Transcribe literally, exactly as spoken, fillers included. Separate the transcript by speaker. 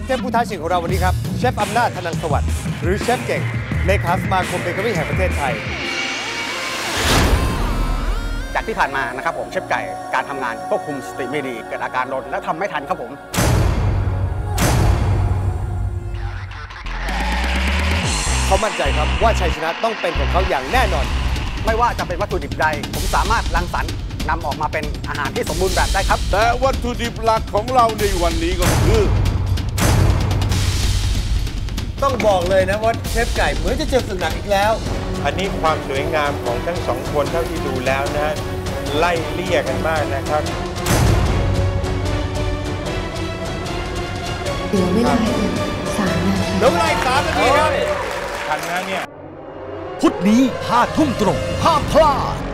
Speaker 1: ฟผู้ท้าชิงของเราวันนี้ครับเชฟอำนาจธนังสวัสดิ์หรือเชฟเก่งเลขาสมาคมเบเกอรี่แห่งประเทศไทย
Speaker 2: จากที่ผ่านมานะครับผมเชฟไก่การทำงานควบคุมสติไม่ดีเกิดอาการลนและทำไม่ทันครับผม
Speaker 1: เขามั่นใจครับว่าชัยชนะต้องเป็นของเขาอย่างแน่นอน
Speaker 2: ไม่ว่าจะเป็นวัตถุดิบใดผมสามารถรังสรรค์นำออกมาเป็นอาหารที่สมบูรณ์แบบได้ครับ
Speaker 3: แต่วัตถุดิบหลักของเราในวันนี้ก็คือ
Speaker 1: ต้องบอกเลยนะว่าเชฟไก่เหมือนจะเจอศึกหนักอีกแล้ว
Speaker 4: อันนี้ความสวยงามของทั้งสองคนเท่าที่ดูแล้วนะไล่เลี่ยกันมากนะครับ
Speaker 5: เหลือเวลาอีกสามนาที
Speaker 1: เหลือเวลาอีกสามนาทีครับ
Speaker 4: ทันนะเนี่ย
Speaker 6: พุธนี้ห้าทุ่มตรงห้ามพลาด